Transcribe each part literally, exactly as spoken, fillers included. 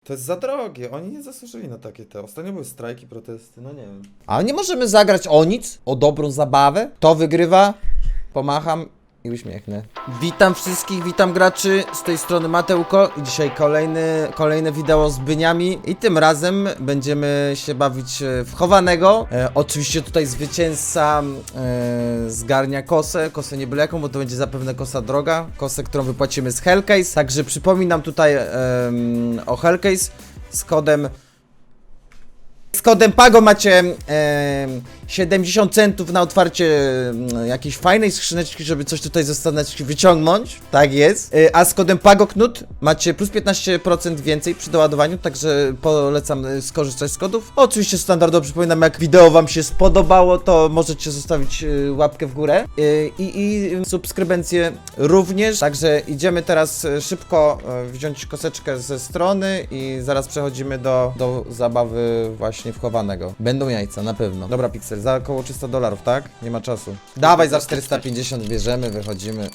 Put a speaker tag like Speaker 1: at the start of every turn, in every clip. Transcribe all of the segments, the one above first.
Speaker 1: To jest za drogie, oni nie zasłużyli na takie te. Ostatnio były strajki, protesty, no nie wiem. Ale nie możemy zagrać o nic, o dobrą zabawę. Kto wygrywa? Pomacham i uśmiechnę. Witam wszystkich, witam graczy, z tej strony Mateuko i dzisiaj kolejny, kolejne wideo z Byniami i tym razem będziemy się bawić w chowanego. E, oczywiście tutaj zwycięzca e, zgarnia kosę, kosę nie byle jaką, bo to będzie zapewne kosa droga, kosę, którą wypłacimy z Hellcase, także przypominam tutaj e, o Hellcase z kodem Z kodem PAGO macie e, siedemdziesiąt centów na otwarcie e, jakiejś fajnej skrzyneczki, żeby coś tutaj ze skrzyneczki wyciągnąć. Tak jest. E, a z kodem PAGO KNUT macie plus piętnaście procent więcej przy doładowaniu, także polecam skorzystać z kodów. Oczywiście standardowo przypominam, jak wideo wam się spodobało, to możecie zostawić e, łapkę w górę e, i, i subskrybencję również. Także idziemy teraz szybko e, wziąć koseczkę ze strony i zaraz przechodzimy do, do zabawy właśnie wchowanego. Będą jajca, na pewno. Dobra, Pixel, za około trzysta dolarów, tak? Nie ma czasu. Dawaj, za czterysta pięćdziesiąt bierzemy, wychodzimy.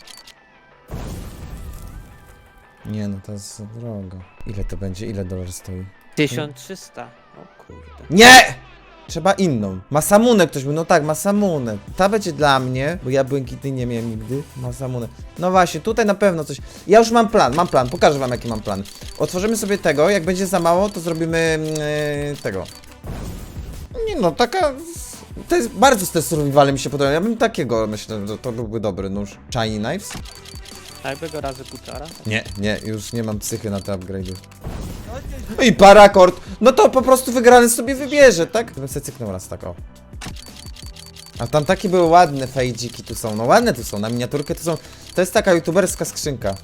Speaker 1: Nie no, to jest drogo. Ile to będzie? Ile dolar stoi?
Speaker 2: tysiąc trzysta. O kurde.
Speaker 1: Nie! Trzeba inną. Masamunę ktoś był, no tak, Masamunę. Ta będzie dla mnie, bo ja błękitnej nie miałem nigdy. Masamunę. No właśnie, tutaj na pewno coś. Ja już mam plan, mam plan, pokażę wam jaki mam plan. Otworzymy sobie tego, jak będzie za mało, to zrobimy yy, tego. Nie no, taka... To jest bardzo z te survivale mi się podoba. Ja bym takiego, myślę, że to byłby dobry nóż. Shiny Knives?
Speaker 2: A jakby go razy kuczara?
Speaker 1: Nie, nie, już nie mam psychy na te upgrade'y. I parakord! No to po prostu wygrany sobie wybierze, tak? To bym sobie cyknął raz tak, o. A tam takie były ładne fejdziki tu są, no ładne tu są, na miniaturkę tu są. To jest taka youtuberska skrzynka.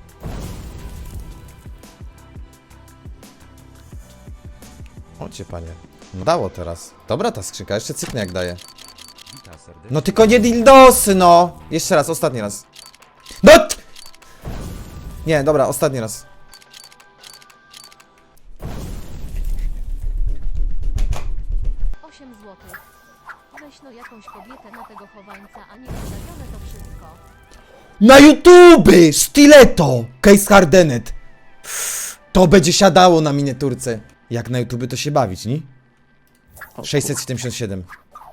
Speaker 1: Ocie panie. No dało teraz. Dobra ta skrzynka, jeszcze cyknę jak daje. No tylko nie dildosy, no! Jeszcze raz, ostatni raz. No! Nie, dobra, ostatni raz.
Speaker 3: osiem złotych. Weź no jakąś kobietę na tego chowańca, a nie wystawione to wszystko.
Speaker 1: Na YouTube! Stiletto! Case Hardenet. To będzie siadało na miniaturce. Jak na YouTube to się bawić, nie? sześćset siedemdziesiąt siedem.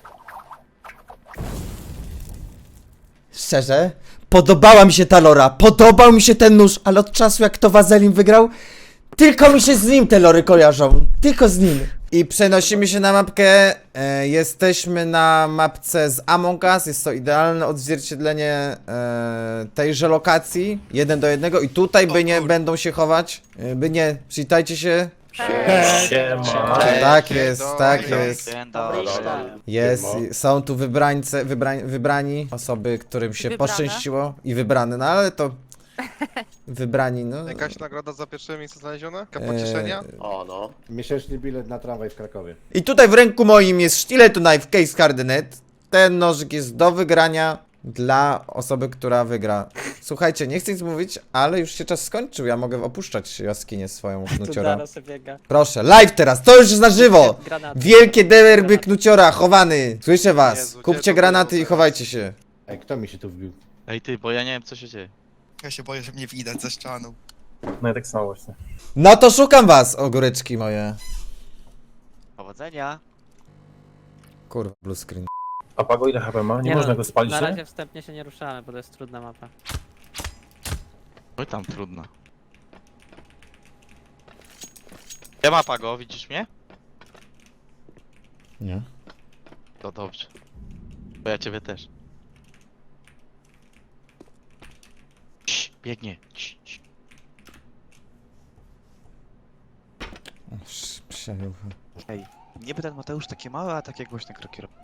Speaker 1: Szczerze? Podobała mi się ta lora, podobał mi się ten nóż, ale od czasu jak to Wazelin wygrał, tylko mi się z nim te lory kojarzą. Tylko z nim. I przenosimy się na mapkę. E, jesteśmy na mapce z Among Us. Jest to idealne odzwierciedlenie e, tejże lokacji. Jeden do jednego. I tutaj by nie będą się chować. E, by nie. Przywitajcie się.
Speaker 4: Siema.
Speaker 1: Tak jest, tak jest.
Speaker 2: Dobry.
Speaker 1: Jest, są tu wybrańce, wybrań, wybrani osoby, którym się
Speaker 5: Wybrane.
Speaker 1: poszczęściło i wybrane, no ale to wybrani, no.
Speaker 4: Jakaś nagroda za pierwsze miejsce znalezione? Jaka
Speaker 1: Eee,
Speaker 4: pocieszenia?
Speaker 6: O no.
Speaker 7: Miesięczny bilet na tramwaj w Krakowie.
Speaker 1: I tutaj w ręku moim jest Stiletto Knife Case Hardenet. Ten nożyk jest do wygrania dla osoby, która wygra. Słuchajcie, nie chcę nic mówić, ale już się czas skończył. Ja mogę opuszczać jaskinię swoją
Speaker 2: Tu
Speaker 1: knuciora.
Speaker 2: zaraz sobie biega.
Speaker 1: Proszę, live teraz, to już jest na żywo!
Speaker 2: Granaty.
Speaker 1: Wielkie derby knuciora, chowany. Słyszę was.
Speaker 4: Jezu, gdzie
Speaker 1: Kupcie
Speaker 4: to
Speaker 1: granaty
Speaker 4: było
Speaker 1: i chowajcie się.
Speaker 7: Ej, kto mi się tu wbił?
Speaker 6: Ej ty, bo ja nie wiem co się dzieje.
Speaker 8: Ja się boję, że mnie widać za ścianą.
Speaker 9: No i tak samo właśnie.
Speaker 1: No to szukam was, ogóreczki moje.
Speaker 6: Powodzenia.
Speaker 1: Kurwa, blue screen.
Speaker 9: A Pago ile H P ma? Nie,
Speaker 2: Nie
Speaker 9: można
Speaker 2: no,
Speaker 9: go spalić,
Speaker 2: Na
Speaker 9: nie?
Speaker 2: razie wstępnie się nie ruszamy, bo to jest trudna mapa.
Speaker 6: Oj tam trudno. Ja ma Pago, widzisz mnie?
Speaker 1: Nie.
Speaker 6: To dobrze. Bo ja ciebie też. Cii, biegnie. Cii, cii.
Speaker 1: Przejucha.
Speaker 10: Ej, niby ten Mateusz takie małe, a takie głośne kroki robi.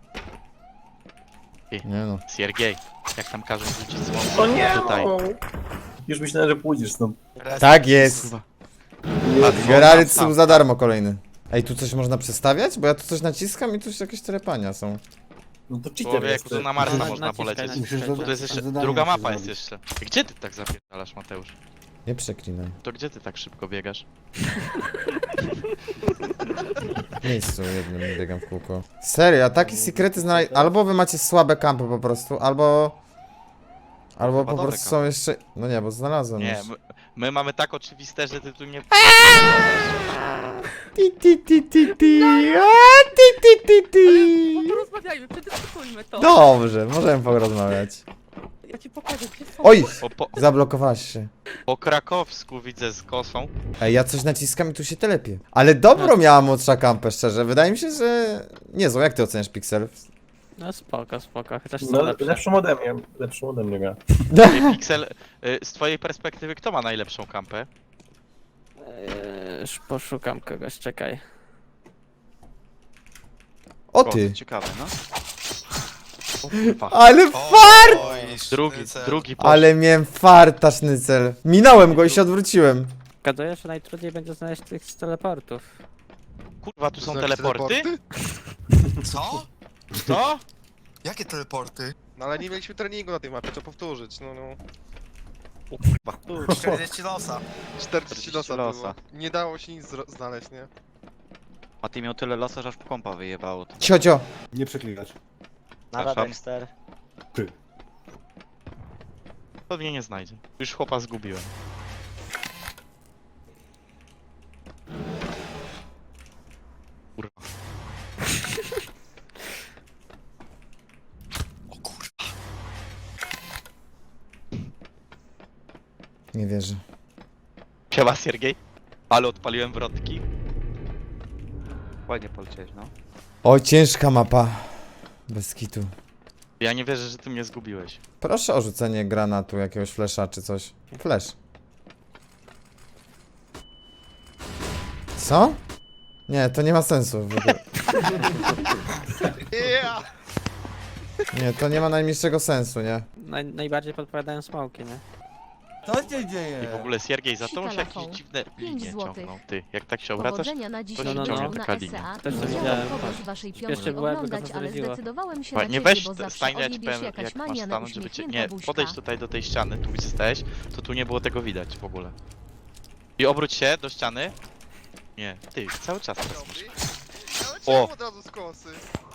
Speaker 1: Nie no.
Speaker 6: Siergiej, jak tam każą rzucić
Speaker 9: O
Speaker 6: słomę
Speaker 9: nie!
Speaker 6: tutaj.
Speaker 9: Już myślałem, że pójdziesz stąd.
Speaker 1: Tak jest.
Speaker 6: Kurwa.
Speaker 1: Gerary są za darmo kolejny. Ej, tu coś można przestawiać? Bo ja tu coś naciskam i tu jakieś telepania są.
Speaker 9: No to cheater
Speaker 6: Człowieku,
Speaker 9: jest.
Speaker 6: to na Marsa
Speaker 2: Na-
Speaker 6: można
Speaker 2: naciskaj,
Speaker 6: polecieć.
Speaker 2: naciskaj.
Speaker 7: Musisz
Speaker 6: Tu jest jeszcze,
Speaker 7: zadanie
Speaker 6: druga
Speaker 7: musisz
Speaker 6: mapa jest
Speaker 7: zrobić.
Speaker 6: jeszcze. Gdzie ty tak zapierdalasz, Mateusz?
Speaker 1: Nie przeklinaj.
Speaker 6: To gdzie ty tak szybko biegasz?
Speaker 1: W miejscu jednym biegam w kółko. Serio, a takie sekrety znaleźć. Albo wy macie słabe kampy po prostu, albo... Albo
Speaker 6: Chyba
Speaker 1: po
Speaker 6: dobre
Speaker 1: prostu są jeszcze... No nie, bo znalazłem
Speaker 6: Nie,
Speaker 1: już.
Speaker 6: my, my mamy tak oczywiste, że ty tu nie...
Speaker 1: Ti, ti, ti, ti, ti. A, ti, ti, ti, ti.
Speaker 5: Porozmawiajmy, przedyskutujmy to.
Speaker 1: Dobrze, możemy porozmawiać.
Speaker 5: Ja ci pokażę, gdzie są.
Speaker 1: Oj!
Speaker 6: Po, po,
Speaker 1: Zablokowałaś się.
Speaker 6: po krakowsku widzę z kosą.
Speaker 1: Ej, ja coś naciskam i tu się telepie. Ale dobro miała młodsza kampę, szczerze. Wydaje mi się, że... Niezłą, jak ty oceniasz Pixel?
Speaker 2: No spoko, spoko, chociaż są
Speaker 9: No,
Speaker 2: lepsze.
Speaker 9: lepszą ode mnie, lepszą ode mnie gra.
Speaker 6: Ej, Pixel, y, z twojej perspektywy kto ma najlepszą kampę?
Speaker 2: Eee, już poszukam kogoś, czekaj.
Speaker 1: O ty!
Speaker 10: Ciekawe, no.
Speaker 6: O, kurwa.
Speaker 1: Ale fart!
Speaker 8: Oj,
Speaker 6: Drugi,
Speaker 8: sznycel.
Speaker 6: drugi poszedł.
Speaker 1: Ale miałem farta, sznycel. Minąłem go i się odwróciłem.
Speaker 2: Zgaduję, że najtrudniej będzie znaleźć tych z teleportów.
Speaker 6: Kurwa, tu są
Speaker 4: Znaczy
Speaker 6: teleporty?
Speaker 8: Co?
Speaker 6: Co?
Speaker 8: Jakie teleporty?
Speaker 4: No ale nie mieliśmy treningu na tej mapie, trzeba powtórzyć, no no.
Speaker 6: O kurwa.
Speaker 8: czterdzieści losa.
Speaker 4: czterdzieści losa
Speaker 6: losa.
Speaker 4: było. Nie dało się nic zro- znaleźć, nie?
Speaker 10: A ty miał tyle losa, że aż kompa wyjebało. To.
Speaker 1: Ciocio.
Speaker 7: Nie przeklinać.
Speaker 6: Nada,
Speaker 10: Dexter.
Speaker 7: Ty.
Speaker 6: To mnie nie znajdzie. Już chłopa zgubiłem. Kurwa.
Speaker 8: O kurwa.
Speaker 1: Nie wierzę.
Speaker 6: Siema, Siergiej. Ale odpaliłem wrotki.
Speaker 10: Ładnie poleciałeś, no.
Speaker 1: O, ciężka mapa. Bez kitu.
Speaker 6: Ja nie wierzę, że ty mnie zgubiłeś.
Speaker 1: Proszę o rzucenie granatu, jakiegoś flesza czy coś. Flash. Co? Nie, to nie ma sensu w ogóle.
Speaker 4: Yeah!
Speaker 1: Nie, to nie ma najmniejszego sensu, nie?
Speaker 2: Naj, najbardziej podpowiadają smoki, nie?
Speaker 1: Co się dzieje?
Speaker 6: I w ogóle Siergiej, za tobą się
Speaker 3: Telefon.
Speaker 6: jakieś dziwne
Speaker 3: Pięć
Speaker 6: linie
Speaker 3: złotych.
Speaker 6: ciągną. Ty, jak tak się obracasz,
Speaker 3: Powodzenia na dzisiaj
Speaker 2: no, no,
Speaker 3: będą
Speaker 2: no.
Speaker 3: na
Speaker 6: Taka
Speaker 3: S
Speaker 6: linia.
Speaker 3: E A.
Speaker 2: Też to
Speaker 3: Chciałam
Speaker 2: widziałem,
Speaker 3: kogoś
Speaker 2: tak.
Speaker 3: waszej
Speaker 2: Śpiesznie
Speaker 3: piątki
Speaker 2: była, tylko
Speaker 3: oglądać,
Speaker 2: to
Speaker 3: ale
Speaker 2: zdradziła.
Speaker 3: zdecydowałem się
Speaker 6: Słuchaj,
Speaker 3: na
Speaker 6: nie
Speaker 3: ciebie,
Speaker 6: weź
Speaker 3: bo zawsze
Speaker 6: stań, ja ci
Speaker 3: odjebiesz
Speaker 6: powiem,
Speaker 3: jakaś
Speaker 6: jak masz
Speaker 3: mania na
Speaker 6: stanąć, żeby cię...
Speaker 3: uśmiechnięta
Speaker 6: Nie,
Speaker 3: buźka.
Speaker 6: podejdź tutaj do tej ściany, tu gdzie stałeś, to tu nie było tego widać w ogóle. I obróć się do ściany. Nie, ty, cały czas teraz masz.
Speaker 4: Dobry. Ale
Speaker 6: O.
Speaker 4: czemu od razu z kosy?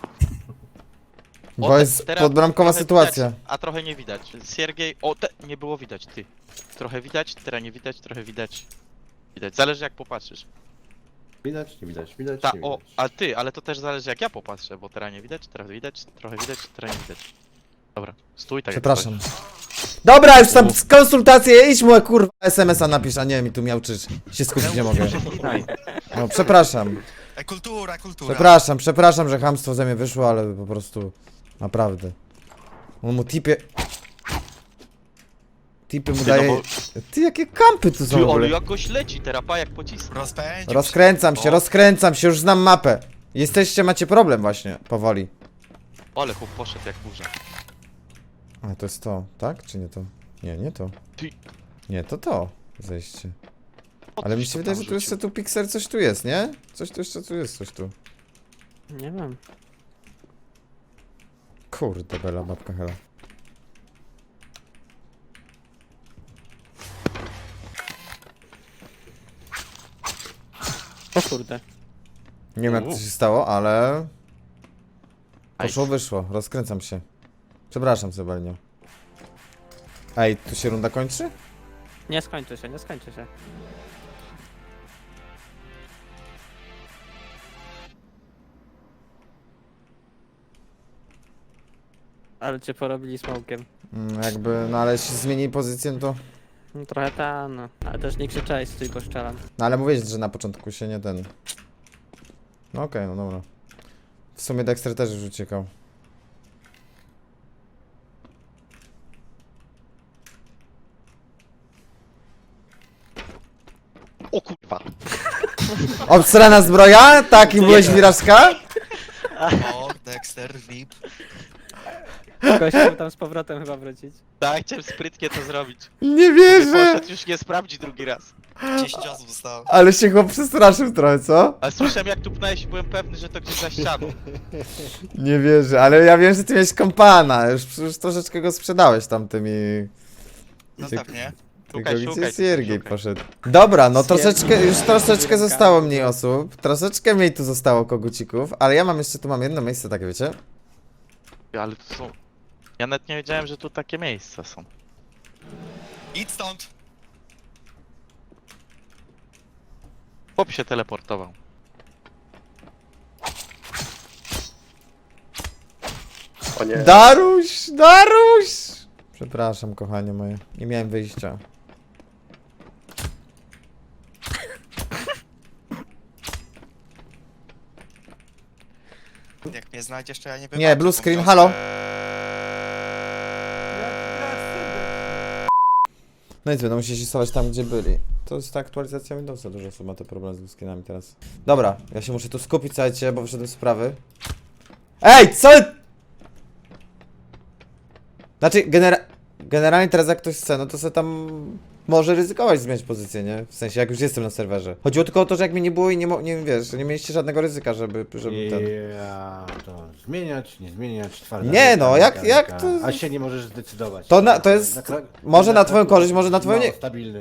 Speaker 1: Bo
Speaker 6: te-
Speaker 1: jest
Speaker 6: teraz
Speaker 1: podbramkowa
Speaker 6: trochę
Speaker 1: sytuacja.
Speaker 6: Widać, a trochę nie widać. Siergiej, o, te, nie było widać, ty. Trochę widać, teraz nie widać, trochę widać. Widać, zależy jak popatrzysz.
Speaker 7: Widać, nie widać, widać,
Speaker 6: Ta,
Speaker 7: nie
Speaker 6: o,
Speaker 7: widać.
Speaker 6: a ty, ale to też zależy jak ja popatrzę, bo teraz nie widać, teraz widać, trochę widać, teraz nie widać. Dobra, stój tak jak
Speaker 1: Przepraszam.
Speaker 6: stoisz.
Speaker 1: Dobra, już tam z konsultacje, idź mu kurwa es em es a napisz, a nie mi tu miałczysz. Się skupić nie mogę. No, przepraszam.
Speaker 8: E, kultura, kultura.
Speaker 1: Przepraszam, przepraszam, że chamstwo ze mnie wyszło, ale po prostu naprawdę. On mu tipie... Tipy mu
Speaker 6: Ty, no
Speaker 1: daje...
Speaker 6: bo-
Speaker 1: Ty, jakie kampy tu są w
Speaker 6: Ty, ale
Speaker 1: ogóle?
Speaker 6: jakoś leci, terapa jak pocisk.
Speaker 8: Rozpędził
Speaker 1: Rozkręcam się,
Speaker 6: O.
Speaker 1: rozkręcam się, już znam mapę. Jesteście, macie problem właśnie, powoli.
Speaker 6: Ale chłop poszedł jak burza.
Speaker 1: A, to jest to, tak? Czy nie to? Nie, nie to.
Speaker 6: Ty.
Speaker 1: Nie, to to. Zejście.
Speaker 6: O,
Speaker 1: Ale mi
Speaker 6: coś
Speaker 1: się
Speaker 6: tu
Speaker 1: wydaje,
Speaker 6: tam
Speaker 1: że tu jeszcze
Speaker 6: rzucił.
Speaker 1: tu Pixel coś tu jest, nie? Coś tu jeszcze tu jest, coś tu.
Speaker 2: Nie wiem.
Speaker 1: Kurde, bela babka hela.
Speaker 2: O kurde.
Speaker 1: Nie wiem jak to
Speaker 6: Uuu.
Speaker 1: się stało, ale... Poszło,
Speaker 6: Nice.
Speaker 1: wyszło, rozkręcam się. Przepraszam, Sebelnio. Ej, tu się runda kończy?
Speaker 2: Nie skończy się, nie skończy się. Ale cię porobili smokiem.
Speaker 1: Mm, jakby, no ale jeśli zmieni pozycję, no to...
Speaker 2: No trochę ta, no. Ale też nie krzyczałeś, stój, bo szczelam.
Speaker 1: No ale mówiłeś, że na początku się nie ten... No okej, no dobra. W sumie Dexter też już uciekał.
Speaker 6: O kurwa.
Speaker 1: Obsrana zbroja? Taki byłeś Wirażka?
Speaker 8: O, Dexter, V I P.
Speaker 2: Ktoś chciał tam z powrotem chyba wrócić.
Speaker 6: Tak, chciałem sprytnie to zrobić.
Speaker 1: Nie wierzę!
Speaker 6: Poszedł już nie sprawdzi drugi raz.
Speaker 8: dziesięć osób zostało.
Speaker 1: Ale się chłop przestraszył trochę, co?
Speaker 6: Ale słyszałem jak tu pnąłeś i byłem pewny, że to gdzieś za ścianą.
Speaker 1: Nie wierzę, ale ja wiem, że ty miałeś kompana. Już, już troszeczkę go sprzedałeś tamtymi...
Speaker 8: Zostaw mnie.
Speaker 1: Tylko
Speaker 6: Szukaj,
Speaker 1: gdzie
Speaker 6: szukaj,
Speaker 1: Siergiej
Speaker 6: szukaj.
Speaker 1: poszedł? Dobra, no
Speaker 2: Siergiej.
Speaker 1: troszeczkę, już troszeczkę
Speaker 2: Siergiej.
Speaker 1: zostało mniej osób. Troszeczkę mniej tu zostało kogucików, ale ja mam jeszcze, tu mam jedno miejsce takie, wiecie?
Speaker 6: Ale tu są... Ja nawet nie wiedziałem, że tu takie miejsca są.
Speaker 8: Idź stąd.
Speaker 6: Chłop się teleportował.
Speaker 9: O nie.
Speaker 1: Daruś, Daruś! Przepraszam, kochanie moje. Nie miałem wyjścia.
Speaker 8: Jak mnie znajdziesz, to ja nie wiem.
Speaker 1: Nie, blue screen, halo. No nic, będą musieli stosować tam, gdzie byli. To jest ta aktualizacja Windowsa, dużo osób ma te problemy z blue screenami teraz. Dobra, ja się muszę tu skupić, słuchajcie, bo wyszedłem z sprawy. Ej, co? Znaczy, genera generalnie teraz jak ktoś chce, no to sobie tam może ryzykować zmieniać pozycję, nie? W sensie, jak już jestem na serwerze. Chodziło tylko o to, że jak mnie nie było i nie, mo nie wiesz, nie mieliście żadnego ryzyka, żeby, żeby ten...
Speaker 7: Ja to zmieniać, nie zmieniać, twarda.
Speaker 1: Nie, no, jak-
Speaker 7: mechanika.
Speaker 1: jak to-
Speaker 7: A się nie możesz zdecydować.
Speaker 1: To na- to jest-
Speaker 7: kra-
Speaker 1: może na twoją
Speaker 7: kraku
Speaker 1: korzyść, może na twoją
Speaker 7: mało
Speaker 1: nie-
Speaker 7: stabilny.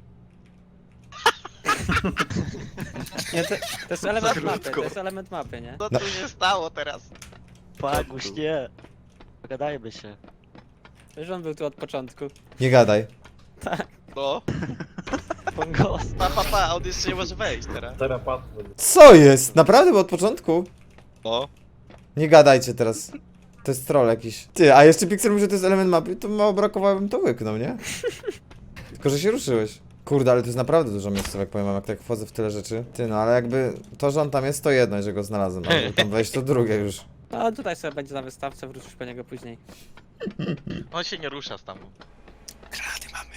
Speaker 2: Nie, to, to jest element mapy, to jest element mapy, nie?
Speaker 6: Co tu się stało teraz?
Speaker 10: Paguś, nie. Pogadajmy się.
Speaker 2: Przecież on był tu od początku.
Speaker 1: Nie gadaj.
Speaker 6: No.
Speaker 10: Pongos.
Speaker 6: Pa, pa, pa, on jeszcze nie może wejść teraz.
Speaker 9: Terapat.
Speaker 1: Co jest? Naprawdę, bo od początku?
Speaker 6: No.
Speaker 1: Nie gadajcie teraz. To jest troll jakiś. Ty, a jeszcze Pixel mówi, że to jest element mapy, to mało brakowało, bym to łyknął, nie? Tylko, że się ruszyłeś. Kurde, ale to jest naprawdę dużo miejscówek, powiem wam, jak tak wchodzę w tyle rzeczy. Ty, no ale jakby to, że on tam jest, to jedno, że go znalazłem, a żeby tam wejść, to drugie już.
Speaker 2: No tutaj sobie będzie na wystawce, wrócisz po niego później.
Speaker 6: On się nie rusza tam.
Speaker 8: Grady mamy.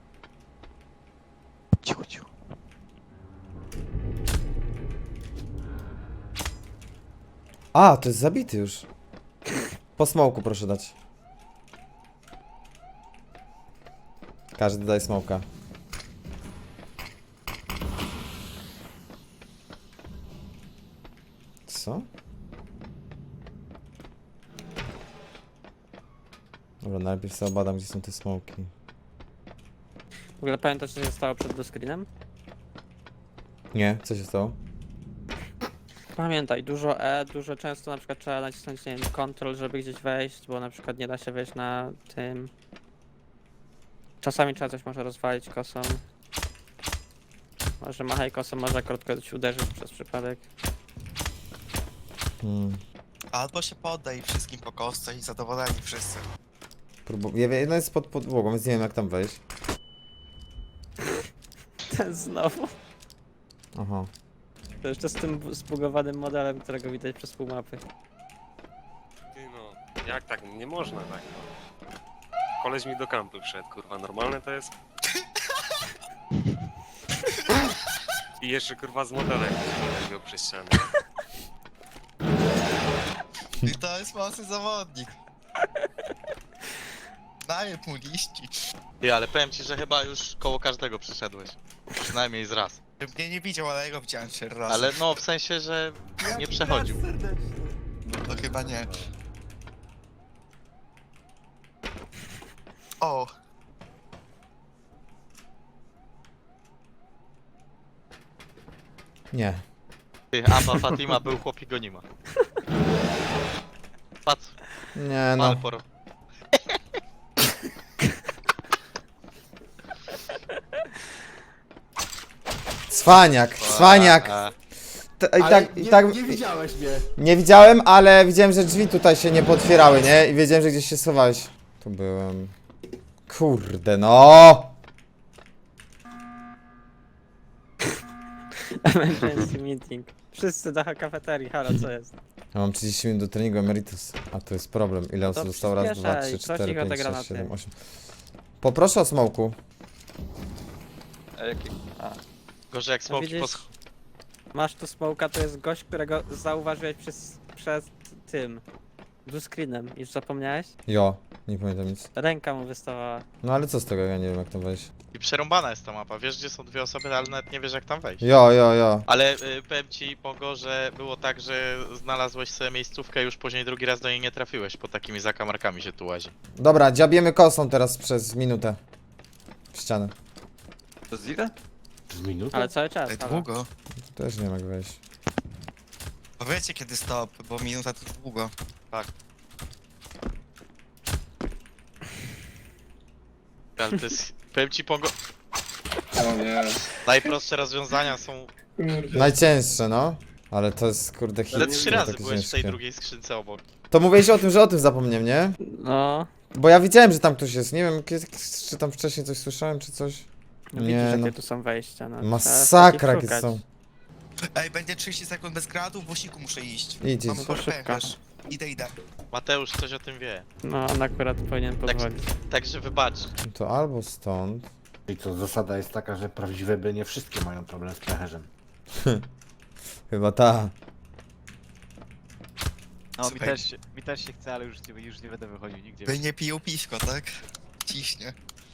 Speaker 10: Cicho, cicho.
Speaker 1: A, to jest zabity już. Po smoku proszę dać. Każdy daje smoka. Co? Dobra, najpierw sobie obadam, gdzie są te smoki.
Speaker 2: W ogóle pamiętasz, co się stało przed blue screenem?
Speaker 1: Nie, co się stało?
Speaker 2: Pamiętaj, dużo E, dużo często na przykład trzeba nacisnąć, nie wiem, control, żeby gdzieś wejść, bo na przykład nie da się wejść na tym. Czasami trzeba coś może rozwalić kosą. Może machaj kosą, może krótko ci uderzyć przez przypadek.
Speaker 1: Hmm.
Speaker 8: Albo się poddaj wszystkim po kostce i zadowoleni wszyscy.
Speaker 1: Próbu- ja wiem, jedna jest pod podłogą, więc nie wiem jak tam wejść.
Speaker 2: Ten znowu.
Speaker 1: Aha.
Speaker 2: To jeszcze z tym zbugowanym modelem, którego widać przez pół mapy.
Speaker 9: Ty no, jak tak? Nie można tak. No. Koleś mi do kampy wszedł, kurwa, normalne to jest? I jeszcze kurwa z modelem go przez ścianę.
Speaker 8: I to jest mocny zawodnik. Daję mu liści.
Speaker 6: Ty, ale powiem ci, że chyba już koło każdego przyszedłeś. Przynajmniej z raz.
Speaker 8: Bym mnie nie widział, ale jego widziałem cztery razy.
Speaker 6: Ale no, w sensie, że nie przechodził.
Speaker 8: To chyba nie. O,
Speaker 1: Nie.
Speaker 6: Ty, Abba Fatima był chłopi go nie ma. Patrz,
Speaker 1: Nie
Speaker 6: no.
Speaker 1: no.
Speaker 6: Poro.
Speaker 1: Cwaniak, cwaniak.
Speaker 6: A, a.
Speaker 1: T- I
Speaker 7: Ale
Speaker 1: tak, i
Speaker 7: nie,
Speaker 1: tak,
Speaker 7: nie widziałeś mnie.
Speaker 1: nie widziałem, ale widziałem, że drzwi tutaj się nie potwierały, nie? I wiedziałem, że gdzieś się schowałeś. Tu byłem. Kurde, no!
Speaker 2: Emergency meeting. Wszyscy do kafeterii, halo, co jest?
Speaker 1: Ja mam trzydzieści minut do treningu Emeritus. A to jest problem. Ile
Speaker 2: No
Speaker 1: osób
Speaker 2: to
Speaker 1: zostało? Raz, dwa,
Speaker 2: przyspieszaj,
Speaker 1: trzy,
Speaker 2: coś
Speaker 1: cztery,
Speaker 2: ich
Speaker 1: pięć,
Speaker 2: odegra na
Speaker 1: sześć, siedem,
Speaker 2: tym.
Speaker 1: osiem. Poproszę o smoku.
Speaker 6: A jaki? A. Gorzej jak smoki
Speaker 2: widzisz?
Speaker 6: po sch-
Speaker 2: Masz tu smoka, to jest gość, którego zauważyłeś przez, przez tym blue screenem. Już zapomniałeś?
Speaker 1: Jo, nie pamiętam nic.
Speaker 2: Ręka mu wystawała.
Speaker 1: No ale co z tego, ja nie wiem jak tam wejść.
Speaker 6: I przerąbana jest ta mapa. Wiesz, gdzie są dwie osoby, ale nawet nie wiesz, jak tam wejść.
Speaker 1: Jo, jo, jo.
Speaker 6: Ale y, powiem ci, Pogo, że było tak, że znalazłeś sobie miejscówkę, już później drugi raz do niej nie trafiłeś, po takimi zakamarkami się tu łazi.
Speaker 1: Dobra, dziabiemy kosą teraz przez minutę. W ścianę.
Speaker 10: To jest ile?
Speaker 7: Z minutą?
Speaker 2: Ale cały czas,
Speaker 8: tak
Speaker 2: halo.
Speaker 8: długo.
Speaker 1: Tu też nie wiem jak wejść.
Speaker 8: Powiedzcie kiedy stop, bo minuta to długo.
Speaker 6: Ale to jest, powiem ci, Pogo... Najprostsze rozwiązania są...
Speaker 1: Najcięższe, no. Ale to jest kurde hit.
Speaker 6: Ale trzy
Speaker 1: to
Speaker 6: razy
Speaker 1: takie
Speaker 6: byłeś w tej
Speaker 1: ciężkie.
Speaker 6: drugiej skrzynce obok.
Speaker 1: To mówiłeś o tym, że o tym zapomniałem, nie?
Speaker 2: No,
Speaker 1: Bo ja widziałem, że tam ktoś jest. Nie wiem, kiedy, czy tam wcześniej coś słyszałem, czy coś.
Speaker 2: no
Speaker 1: Nie,
Speaker 2: widzisz,
Speaker 1: no.
Speaker 2: jakie tu są wejścia. No, trzeba
Speaker 1: Masakra,
Speaker 2: takich
Speaker 1: jakie
Speaker 2: szukać.
Speaker 1: są.
Speaker 8: Ej, będzie trzydzieści sekund bez granatów, w osiku muszę iść.
Speaker 1: Idź,
Speaker 8: Mam
Speaker 1: idź.
Speaker 2: to szybko.
Speaker 8: pęcherz. Idę, idę.
Speaker 6: Mateusz coś o tym wie.
Speaker 2: No, on akurat powinien pozwolić.
Speaker 6: Także wybacz.
Speaker 1: To albo stąd.
Speaker 7: I co, zasada jest taka, że prawdziwe by nie wszystkie mają problem z pęcherzem.
Speaker 1: Chyba ta.
Speaker 10: No mi
Speaker 8: Słuchaj.
Speaker 10: też, się- mi też się chce, ale już nie, już nie będę wychodził nigdzie.
Speaker 8: By nie piją piwko, tak? Ciśnie.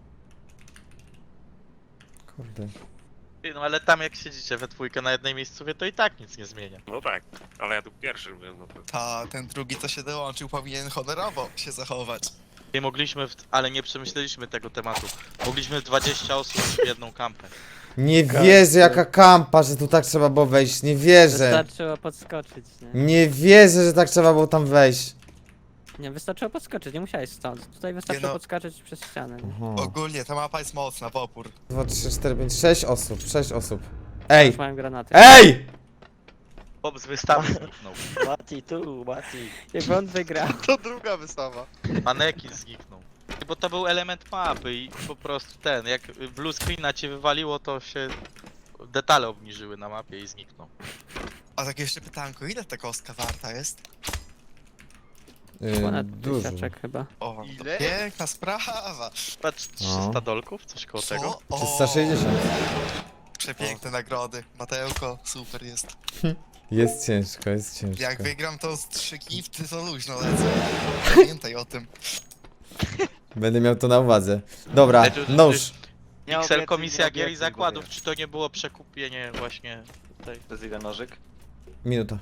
Speaker 1: Kurde.
Speaker 6: Ty, no ale tam jak siedzicie we dwójkę na jednej miejscowie, to i tak nic nie zmienia.
Speaker 9: No tak, ale ja tu pierwszy byłem, no to...
Speaker 8: Ta, ten drugi co się dołączył powinien honorowo się zachować.
Speaker 6: Nie mogliśmy, w... ale nie przemyśleliśmy tego tematu. Mogliśmy dwadzieścia osób w jedną kampę.
Speaker 1: Nie wierzę, jaka kampa, że tu tak trzeba było wejść. Nie wierzę.
Speaker 2: Wystarczyło podskoczyć, nie?
Speaker 1: Nie wierzę, że tak trzeba było tam wejść.
Speaker 2: Nie, wystarczyło podskoczyć, nie musiałeś stąd. Tutaj wystarczyło
Speaker 8: no.
Speaker 2: podskoczyć przez ścianę. Nie?
Speaker 1: Aha.
Speaker 8: Ogólnie ta mapa jest mocna, w opór.
Speaker 1: dwa, trzy, cztery, pięć, sześć osób. sześć osób. Ej!
Speaker 2: Już mają granaty.
Speaker 1: Ej!
Speaker 6: Bob z wystawy zniknął.
Speaker 10: Mati tu, Mati.
Speaker 2: Jakby on wygrał.
Speaker 4: To druga wystawa.
Speaker 6: Manekin zniknął. Bo to był element mapy i po prostu ten, jak blue screena cię wywaliło, to się detale obniżyły na mapie i zniknął.
Speaker 8: A tak jeszcze pytanko, ile ta kostka warta jest?
Speaker 1: Yy,
Speaker 2: Ponad
Speaker 1: dużo.
Speaker 2: tysiaczek chyba.
Speaker 8: O,
Speaker 4: Ile?
Speaker 8: to piękna sprawa.
Speaker 6: Patrz, trzysta dolków, coś koło tego.
Speaker 8: Co? O,
Speaker 1: trzysta sześćdziesiąt.
Speaker 8: przepiękne nagrody. Mateuko, super jest.
Speaker 1: Jest ciężko, jest ciężko.
Speaker 8: Jak wygram to z trzy gifty, to luźno lecę. Pamiętaj o tym.
Speaker 1: Będę miał to na uwadze. Dobra,
Speaker 6: Ale to- to-
Speaker 1: nóż.
Speaker 10: Nie
Speaker 6: Pixel
Speaker 10: obiecuj,
Speaker 6: Komisja
Speaker 10: nie
Speaker 6: Gier i
Speaker 10: obiecuj,
Speaker 6: Zakładów,
Speaker 10: bo
Speaker 6: czy to nie było przekupienie właśnie tej...
Speaker 10: To jest ile nożyk?
Speaker 1: Minuta.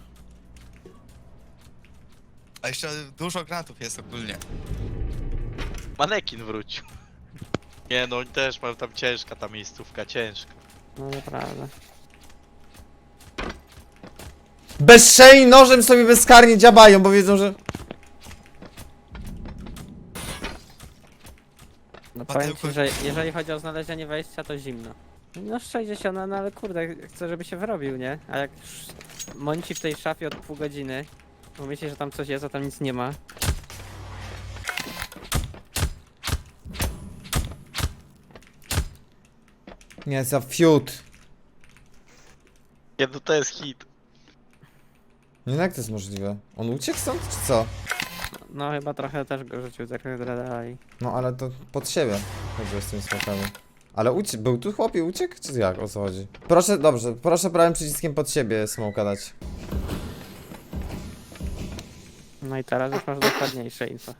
Speaker 8: A jeszcze dużo granatów jest ogólnie.
Speaker 6: Manekin wrócił. Nie no, też mam tam ciężka ta miejscówka, ciężka.
Speaker 2: No naprawdę.
Speaker 1: Bezczelni nożem sobie bezkarnie dziabają, bo wiedzą, że...
Speaker 2: No powiem
Speaker 8: Mateuko-
Speaker 2: ci, że jeżeli chodzi o znalezienie wejścia, to zimno. No sześćdziesiąt, no ale kurde, chcę, żeby się wyrobił, nie? A jak już mąci w tej szafie od pół godziny, bo myśli, że tam coś jest, a tam nic nie ma.
Speaker 1: Nie, za fiut.
Speaker 6: Nie no, to jest hit.
Speaker 1: Nie, jak to jest możliwe? On uciekł stąd, czy co?
Speaker 2: No chyba trochę też go rzucił tak dalej.
Speaker 1: No, ale to pod siebie chodziło z tymi smokami. Ale ucie był tu chłop i uciekł, czy jak? O co chodzi? Proszę, dobrze, proszę prawym przyciskiem pod siebie smoka dać.
Speaker 2: No i teraz już masz dokładniejsze info.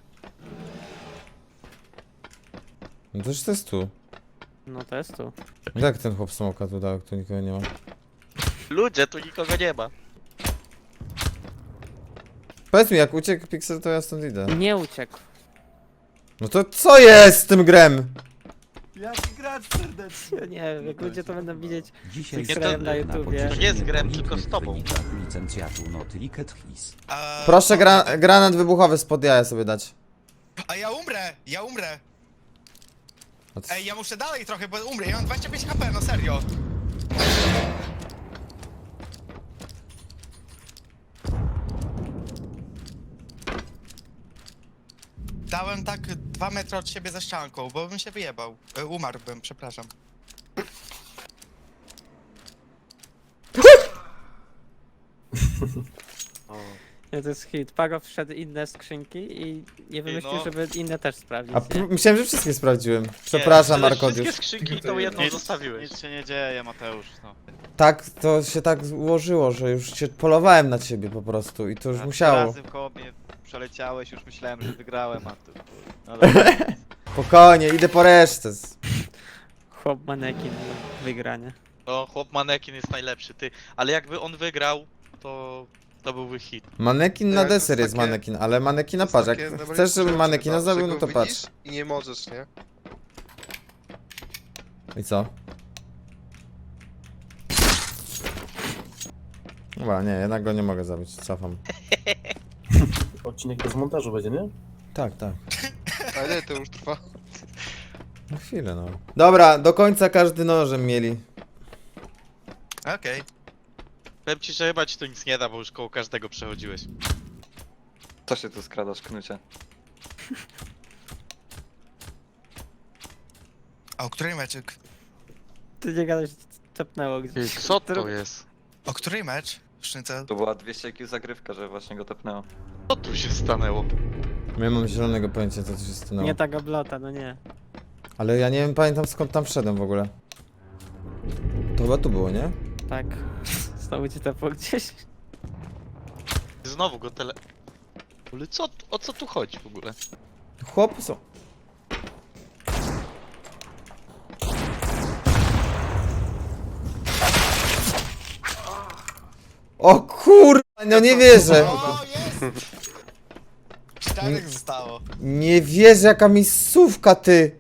Speaker 1: No to już to jest tu.
Speaker 2: No to jest tu.
Speaker 1: Jak ten chłop smoka tu dał, jak tu nikogo nie ma?
Speaker 6: Ludzie, tu nikogo nie ma.
Speaker 1: Powiedz mi, jak uciekł Pixel, to ja stąd idę.
Speaker 2: Nie uciekł.
Speaker 1: No to co jest z tym grem?
Speaker 7: Jaki gracz serdeczny.
Speaker 2: Nie wiem, jak ludzie to będą widzieć
Speaker 6: Nie,
Speaker 2: z
Speaker 6: to-
Speaker 2: na YouTubie.
Speaker 6: To nie jest grem, tylko z tobą.
Speaker 8: A,
Speaker 1: Proszę gra granat wybuchowy spod jaja sobie dać.
Speaker 8: A ja umrę, ja umrę.
Speaker 1: A c-
Speaker 8: Ej, ja muszę dalej trochę, bo umrę. Ja mam dwadzieścia pięć H P, no serio. Dałem tak dwa metry od siebie za ścianką, bo bym się wyjebał. E, umarłbym, przepraszam.
Speaker 2: Nie, to jest hit. Pago wszedł inne skrzynki i nie wymyślił,
Speaker 6: no.
Speaker 2: żeby inne też sprawdzić,
Speaker 1: A
Speaker 2: nie?
Speaker 1: p- myślałem, że wszystkie sprawdziłem. Przepraszam,
Speaker 6: Nie,
Speaker 1: Arkodiusz.
Speaker 6: wszystkie skrzynki i tą jedną zostawiłeś.
Speaker 10: Nic się nie dzieje, Mateusz, no.
Speaker 1: Tak, to się tak ułożyło, że już się polowałem na ciebie po prostu i to już
Speaker 10: A
Speaker 1: musiało.
Speaker 10: Razem koło mnie przeleciałeś, już myślałem, że wygrałem, a tu... No dobra.
Speaker 1: Spokojnie, idę po resztę.
Speaker 2: Chłop manekin do wygrania.
Speaker 6: No, chłop manekin jest najlepszy, ty. Ale jakby on wygrał, to to byłby hit.
Speaker 1: Manekin na
Speaker 4: Tak, to jest
Speaker 1: deser jest
Speaker 4: takie-
Speaker 1: manekin, ale manekina
Speaker 4: To
Speaker 1: patrz,
Speaker 4: jest
Speaker 1: jak
Speaker 4: takie
Speaker 1: chcesz, żeby
Speaker 4: najbardziej
Speaker 1: manekina
Speaker 4: przykre,
Speaker 1: zabił, no
Speaker 4: że
Speaker 1: to
Speaker 4: go
Speaker 1: patrz.
Speaker 4: widzisz I nie możesz, nie?
Speaker 1: I co? Chyba, nie, jednak go nie mogę zabić, cofam.
Speaker 7: Odcinek bez montażu będzie, nie?
Speaker 1: Tak, tak.
Speaker 4: A ile to już trwa?
Speaker 1: Na chwilę, no. Dobra, do końca każdy nożem mieli.
Speaker 8: Okej.
Speaker 6: Powiem ci, że chyba ci to nic nie da, bo już koło każdego przechodziłeś.
Speaker 10: Co się tu skradasz, Knucie?
Speaker 8: A o której meczek?
Speaker 2: Ty nie gadać, tepnęło
Speaker 6: Ty,
Speaker 2: gdzieś.
Speaker 6: co to jest?
Speaker 8: O której mecz? Sznycel?
Speaker 10: To była dwieście I Q zagrywka, że właśnie go tepnęło.
Speaker 6: Co tu się stanęło?
Speaker 1: Nie mam zielonego pojęcia, co tu się stanęło.
Speaker 2: Nie ta gablota, no nie.
Speaker 1: Ale ja nie wiem, pamiętam skąd tam wszedłem w ogóle. To chyba tu było, nie?
Speaker 2: Tak. Znowu ci tepło gdzieś.
Speaker 6: Znowu go tele... Ale co, tu- o co tu chodzi w ogóle?
Speaker 1: Chłopy są. O kurwa, no nie wierzę.
Speaker 8: O, jest! Czterech zostało.
Speaker 1: Nie wierzę, jaka miejscówka, ty.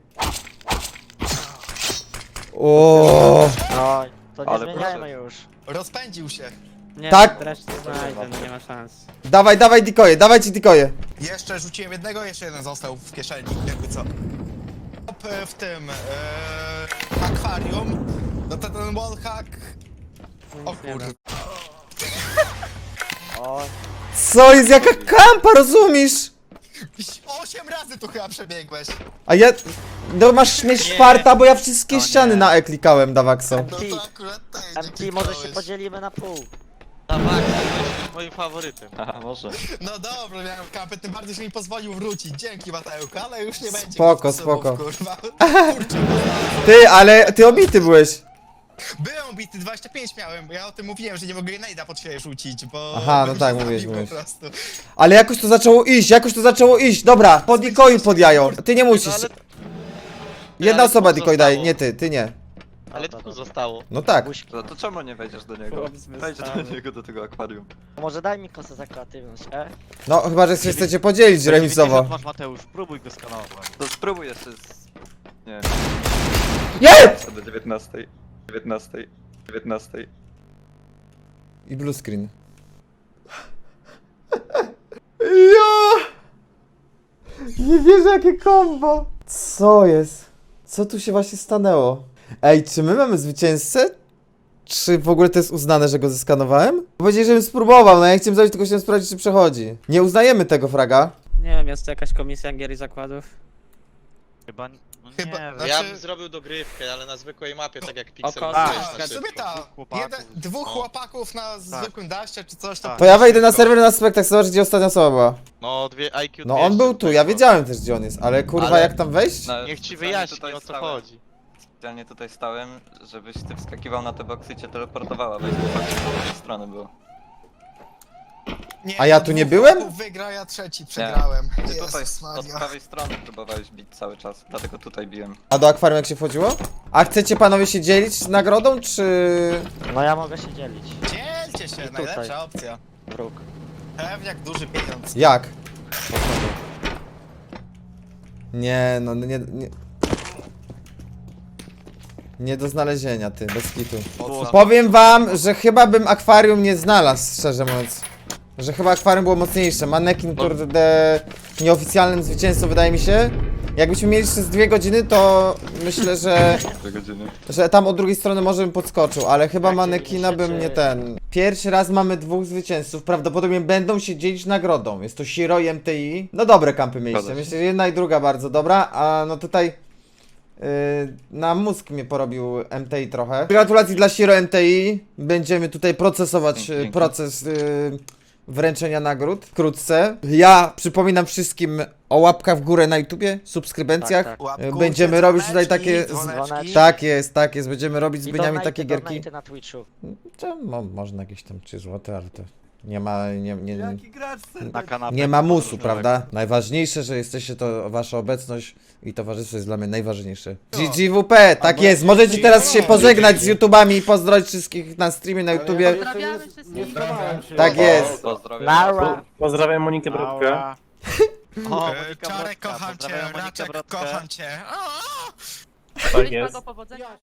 Speaker 1: O.
Speaker 10: No,
Speaker 5: To
Speaker 10: nie Ale zmieniajmy proszę.
Speaker 5: już.
Speaker 8: Rozpędził się.
Speaker 2: Nie,
Speaker 1: Tak.
Speaker 2: dreszcz nie znajdę, no nie ma szans.
Speaker 1: Dawaj, dawaj dikoje, dawajcie dikoje.
Speaker 8: Jeszcze rzuciłem jednego, jeszcze jeden został w kieszeni, jakby co. Hop, e, w tym e, akwarium. No to ten wallhack.
Speaker 2: No
Speaker 8: O
Speaker 2: nic nie da.
Speaker 8: kurde.
Speaker 1: Co jest, jaka kampa, rozumiesz?
Speaker 8: Osiem razy tu chyba przebiegłeś.
Speaker 1: A ja... No masz mieć czwarta, bo ja wszystkie
Speaker 10: No
Speaker 1: ściany
Speaker 10: nie.
Speaker 1: na E klikałem, Dawakso.
Speaker 8: No to akurat też nie kliknąłeś.
Speaker 5: podzielimy na pół.
Speaker 6: Dawaj, jesteś moim faworytem.
Speaker 10: Aha, może.
Speaker 8: No dobra, miałem kampę, tym bardziej, że mi pozwolił wrócić. Dzięki, Mateusz, ale już nie będzie.
Speaker 1: Spoko,
Speaker 8: sposobów,
Speaker 1: spoko.
Speaker 8: Kurwa. Kurczę,
Speaker 1: Ty, ale ty obity byłeś.
Speaker 8: byłem bity, dwadzieścia pięć miałem, bo ja o tym mówiłem, że nie mogę Nejda pod siebie rzucić, bo...
Speaker 1: Aha, no
Speaker 8: bym
Speaker 1: tak,
Speaker 8: się
Speaker 1: mówiłeś,
Speaker 8: zabił
Speaker 1: mówiłeś.
Speaker 8: po prostu.
Speaker 1: Ale jakoś to zaczęło iść, jakoś to zaczęło iść. Dobra, pod dikoju pod jajo. Ty nie musisz.
Speaker 6: No, ale,
Speaker 1: Jedna
Speaker 6: ale
Speaker 1: osoba
Speaker 6: dwóch
Speaker 1: dikoj daje,
Speaker 6: zostało.
Speaker 1: nie ty, ty nie.
Speaker 6: ale dwóch zostało.
Speaker 1: No tak.
Speaker 10: No to czemu nie wejdziesz do niego?
Speaker 2: Chłop
Speaker 10: Wejdź do
Speaker 2: zmysłowy.
Speaker 10: niego, do tego akwarium.
Speaker 5: Może daj mi kosę za kreatywność, e?
Speaker 1: No chyba, że się chcecie podzielić remisowo.
Speaker 10: Masz Mateusz, próbuj go skanować. To spróbuj jeszcze z... Nie
Speaker 1: Jest!
Speaker 10: do dziewiętnastej. dziewiętnastej. dziewiętnastej.
Speaker 1: I blue screen. Ja! Nie wierzę, jakie combo! Co jest? Co tu się właśnie stanęło? Ej, czy my mamy zwycięzcę? Czy w ogóle to jest uznane, że go zeskanowałem? Powiedzieli, żebym spróbował, no ja chciałem zrobić, tylko chciałem sprawdzić, czy przechodzi. Nie uznajemy tego fraga.
Speaker 2: Nie wiem, jest to jakaś komisja gier i zakładów.
Speaker 10: Chyba... No
Speaker 8: Chyba,
Speaker 10: nie,
Speaker 8: znaczy...
Speaker 6: Ja bym zrobił dogrywkę, ale na zwykłej mapie, tak jak Pixel
Speaker 2: Oko-
Speaker 6: Games
Speaker 8: Tak,
Speaker 6: na
Speaker 8: w sumie
Speaker 6: szybko.
Speaker 8: ta,
Speaker 10: chłopaków.
Speaker 8: jeden, dwóch
Speaker 6: No.
Speaker 8: chłopaków na zwykłym daście czy coś, to...
Speaker 10: Tak.
Speaker 1: To ja wejdę na serwer na Spectax, zobacz, gdzie ostatnia osoba była.
Speaker 6: No, dwie I Q
Speaker 1: No on był tu, ja wiedziałem też, gdzie on jest, ale kurwa,
Speaker 6: Ale-
Speaker 1: jak tam wejść?
Speaker 10: No,
Speaker 6: Niech ci
Speaker 10: specjalnie
Speaker 6: wyjaśni,
Speaker 10: tutaj
Speaker 6: o co
Speaker 10: stałem.
Speaker 6: chodzi.
Speaker 10: Specjalnie tutaj stałem, żebyś ty wskakiwał na te boksy i cię teleportowała, weź to faktycznie z tej strony było.
Speaker 8: Nie,
Speaker 1: A ja
Speaker 8: no
Speaker 1: tu nie
Speaker 8: dwóch
Speaker 1: byłem?
Speaker 8: chłopów wygra, ja trzeci przegrałem.
Speaker 10: Ty tutaj
Speaker 8: Jezus
Speaker 10: od
Speaker 8: Maria.
Speaker 10: prawej strony próbowałeś bić cały czas, dlatego tutaj biłem.
Speaker 1: A do akwarium jak się wchodziło? A chcecie panowie się dzielić z nagrodą, czy...
Speaker 5: No ja mogę się dzielić.
Speaker 8: Dzielcie się,
Speaker 5: tutaj.
Speaker 8: najlepsza opcja.
Speaker 5: Wróg.
Speaker 8: Pewniak duży pieniądz.
Speaker 1: Jak? Nie, no nie, nie... Nie do znalezienia, ty, bez kitu. Powiem wam, że chyba bym akwarium nie znalazł, szczerze mówiąc. Że chyba akwarium było mocniejsze. Manekin, kurde, nieoficjalnym zwycięzcą, wydaje mi się. Jakbyśmy mieli jeszcze z dwie godziny, to myślę, że...
Speaker 10: Dwie godziny.
Speaker 1: Że tam od drugiej strony może bym podskoczył, ale chyba
Speaker 5: Jak
Speaker 1: manekina bym nie
Speaker 5: dziewięćdziesiąt
Speaker 1: ten. Pierwszy raz mamy dwóch zwycięzców, prawdopodobnie będą się dzielić nagrodą. Jest to Shiro i M T I. No dobre kampy mieliście,
Speaker 10: Zgadza się.
Speaker 1: myślę, że jedna i druga bardzo dobra, a no tutaj yy, na mózg mnie porobił M T I trochę. Gratulacji dla Shiro M T I. Będziemy tutaj procesować
Speaker 10: Dzięki,
Speaker 1: yy,
Speaker 10: dzięki.
Speaker 1: proces yy, wręczenia nagród wkrótce. Ja przypominam wszystkim o łapkach w górę na YouTubie, subskrybencjach.
Speaker 5: Tak, tak.
Speaker 8: Łapkujcie,
Speaker 1: Będziemy robić tutaj
Speaker 8: dzwoneczki,
Speaker 1: takie-
Speaker 8: dzwoneczki.
Speaker 1: Tak jest, tak jest, będziemy robić z
Speaker 5: I
Speaker 1: Byniami
Speaker 5: donate'y,
Speaker 1: takie gierki.
Speaker 5: donate'y na Twitchu.
Speaker 1: To, mo, można jakieś tam trzy złote, ale to nie ma, nie, nie, nie,
Speaker 10: Na kanapę.
Speaker 1: nie ma musu, prawda? Najważniejsze, że jesteście, to wasza obecność i towarzystwo jest dla mnie najważniejsze. G G W P, tak jest, możecie teraz się pożegnać z YouTubami i pozdrowić wszystkich na streamie na YouTubie.
Speaker 5: Pozdrawiamy wszystkich.
Speaker 1: Tak jest.
Speaker 10: Pozdrowiam.
Speaker 5: Nara.
Speaker 9: Pozdrawiam Monikę Brodkę.
Speaker 10: O,
Speaker 8: E,
Speaker 10: Monika
Speaker 8: Czarek,
Speaker 10: Brodka,
Speaker 8: kocham cię,
Speaker 10: pozdrawiam Monikę
Speaker 8: Raczek,
Speaker 10: Brodkę.
Speaker 8: kocham cię. O!
Speaker 9: Tak jest.
Speaker 5: Powodzenia.